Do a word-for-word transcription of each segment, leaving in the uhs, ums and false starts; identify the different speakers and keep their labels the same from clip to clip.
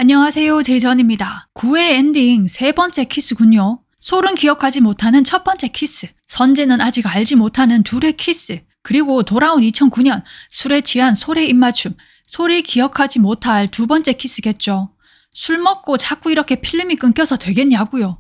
Speaker 1: 안녕하세요, 제이전입니다. 구 회 엔딩 세 번째 키스군요. 솔은 기억하지 못하는 첫 번째 키스, 선재는 아직 알지 못하는 둘의 키스, 그리고 돌아온 이천구 년 술에 취한 솔의 입맞춤, 솔이 기억하지 못할 두 번째 키스겠죠. 술 먹고 자꾸 이렇게 필름이 끊겨서 되겠냐고요.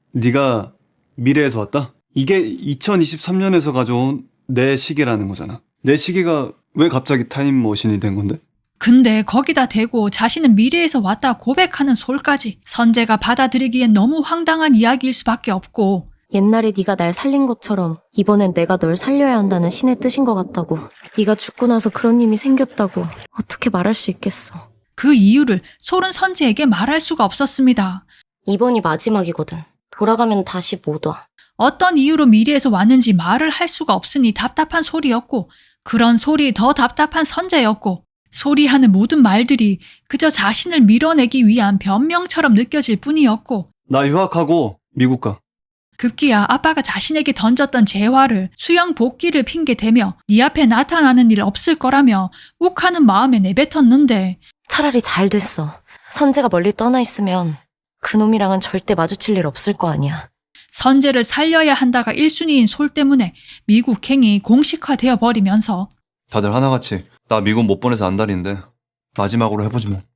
Speaker 2: 네가 미래에서 왔다? 이게 이천이십삼 년에서 가져온 내 시계라는 거잖아. 내 시계가 왜 갑자기 타임머신이 된 건데?
Speaker 1: 근데 거기다 대고 자신은 미래에서 왔다 고백하는 솔까지 선재가 받아들이기엔 너무 황당한 이야기일 수밖에 없고,
Speaker 3: 옛날에 네가 날 살린 것처럼 이번엔 내가 널 살려야 한다는 신의 뜻인 것 같다고. 네가 죽고 나서 그런 힘이 생겼다고 어떻게 말할 수 있겠어.
Speaker 1: 그 이유를 솔은 선재에게 말할 수가 없었습니다.
Speaker 3: 이번이 마지막이거든. 돌아가면 다시 못 와.
Speaker 1: 어떤 이유로 미래에서 왔는지 말을 할 수가 없으니 답답한 솔이었고, 그런 솔이 더 답답한 선재였고, 솔이 하는 모든 말들이 그저 자신을 밀어내기 위한 변명처럼 느껴질 뿐이었고,
Speaker 2: 나 유학하고 미국 가.
Speaker 1: 급기야 아빠가 자신에게 던졌던 재화를 수영 복귀를 핑계대며 네 앞에 나타나는 일 없을 거라며 욱하는 마음에 내뱉었는데,
Speaker 3: 차라리 잘 됐어. 선재가 멀리 떠나 있으면 그놈이랑은 절대 마주칠 일 없을 거 아니야.
Speaker 1: 선재를 살려야 한다가 일 순위인 솔 때문에 미국행이 공식화되어 버리면서
Speaker 2: 다들 하나같이 나 미국 못 보내서 안달인데 마지막으로 해보지 뭐.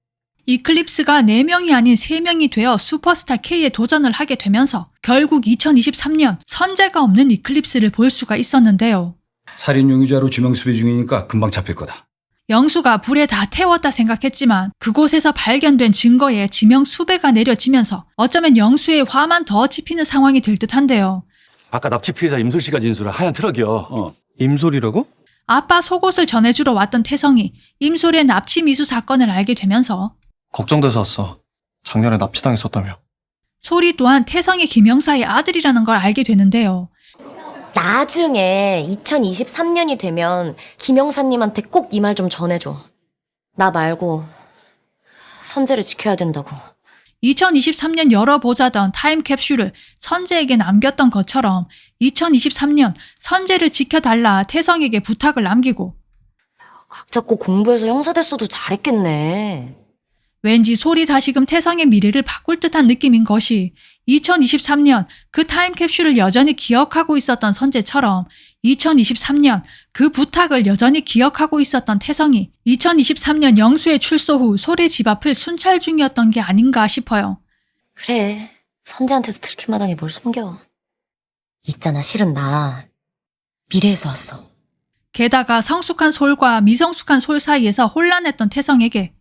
Speaker 1: 이클립스가 네 명이 아닌 세 명이 되어 슈퍼스타 K에 도전을 하게 되면서 결국 이천이십삼 년 선재가 없는 이클립스를 볼 수가 있었는데요.
Speaker 4: 살인 용의자로 지명 수배 중이니까 금방 잡힐 거다.
Speaker 1: 영수가 불에 다 태웠다 생각했지만 그곳에서 발견된 증거에 지명 수배가 내려지면서 어쩌면 영수의 화만 더 짚히는 상황이 될 듯한데요.
Speaker 5: 아까 납치 피해자 임솔 씨가 진술한 하얀 트럭이요.
Speaker 2: 어, 임솔이라고?
Speaker 1: 아빠 속옷을 전해주러 왔던 태성이 임솔의 납치 미수 사건을 알게 되면서
Speaker 6: 걱정돼서 왔어. 작년에 납치당했었다며.
Speaker 1: 솔이 또한 태성이 김영사의 아들이라는 걸 알게 되는데요.
Speaker 3: 나중에 이천이십삼 년이 되면 김영사님한테 꼭 이 말 좀 전해줘. 나 말고 선재를 지켜야 된다고.
Speaker 1: 이천이십삼 년 열어보자던 타임캡슐을 선재에게 남겼던 것처럼 이천이십삼 년 선재를 지켜달라 태성에게 부탁을 남기고,
Speaker 3: 각 잡고 공부해서 형사 됐어도 잘했겠네.
Speaker 1: 왠지 솔이 다시금 태성의 미래를 바꿀 듯한 느낌인 것이, 이천이십삼 년 그 타임캡슐을 여전히 기억하고 있었던 선재처럼 이천이십삼 년 그 부탁을 여전히 기억하고 있었던 태성이 이천이십삼 년 영수의 출소 후 솔의 집 앞을 순찰 중이었던 게 아닌가 싶어요.
Speaker 3: 그래, 선재한테도 들킬 마당에 뭘 숨겨. 있잖아, 실은 나 미래에서 왔어.
Speaker 1: 게다가 성숙한 솔과 미성숙한 솔 사이에서 혼란했던 태성에게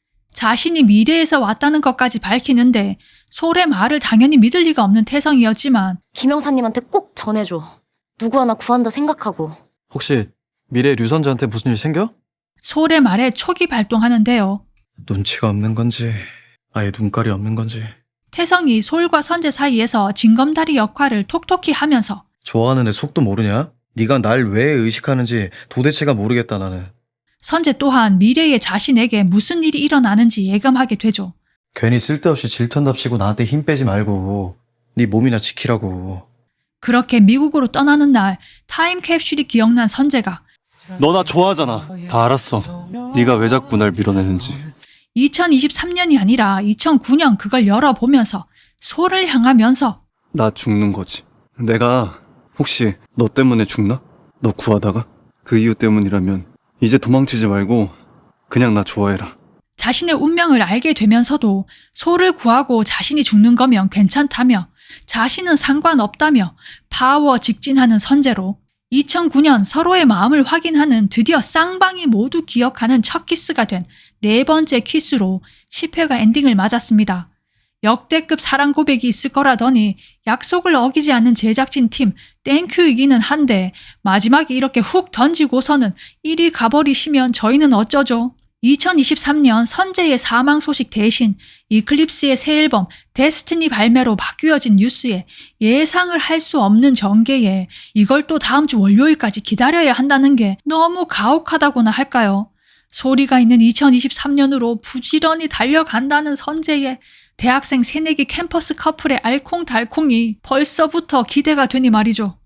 Speaker 1: 자신이 미래에서 왔다는 것까지 밝히는데 솔의 말을 당연히 믿을 리가 없는 태성이었지만,
Speaker 3: 김영사님한테 꼭 전해줘. 누구 하나 구한다 생각하고.
Speaker 6: 혹시 미래 류선재한테 무슨 일 생겨?
Speaker 1: 솔의 말에 촉이 발동하는데요.
Speaker 6: 눈치가 없는 건지 아예 눈깔이 없는 건지.
Speaker 1: 태성이 솔과 선재 사이에서 징검다리 역할을 톡톡히 하면서
Speaker 6: 좋아하는 애 속도 모르냐? 네가 날 왜 의식하는지 도대체가 모르겠다 나는.
Speaker 1: 선재 또한 미래의 자신에게 무슨 일이 일어나는지 예감하게 되죠.
Speaker 6: 괜히 쓸데없이 질턴답시고 나한테 힘 빼지 말고 네 몸이나 지키라고.
Speaker 1: 그렇게 미국으로 떠나는 날 타임캡슐이 기억난 선재가
Speaker 2: 너 나 좋아하잖아. 다 알았어. 네가 왜 자꾸 날 밀어내는지.
Speaker 1: 이천이십삼 년이 아니라 이천구 년 그걸 열어보면서 솔을 향하면서
Speaker 2: 나 죽는 거지. 내가 혹시 너 때문에 죽나? 너 구하다가? 그 이유 때문이라면 이제 도망치지 말고 그냥 나 좋아해라.
Speaker 1: 자신의 운명을 알게 되면서도 솔을 구하고 자신이 죽는 거면 괜찮다며 자신은 상관없다며 파워 직진하는 선재로 이천구 년 서로의 마음을 확인하는 드디어 쌍방이 모두 기억하는 첫 키스가 된 네 번째 키스로 십 회가 엔딩을 맞았습니다. 역대급 사랑 고백이 있을 거라더니 약속을 어기지 않는 제작진 팀 땡큐이기는 한데 마지막에 이렇게 훅 던지고서는 이리 가버리시면 저희는 어쩌죠? 이천이십삼 년 선재의 사망 소식 대신 이클립스의 새 앨범 데스티니 발매로 바뀌어진 뉴스에 예상을 할 수 없는 전개에 이걸 또 다음 주 월요일까지 기다려야 한다는 게 너무 가혹하다고나 할까요? 소리가 있는 이천이십삼 년으로 부지런히 달려간다는 선재의 대학생 새내기 캠퍼스 커플의 알콩달콩이 벌써부터 기대가 되니 말이죠.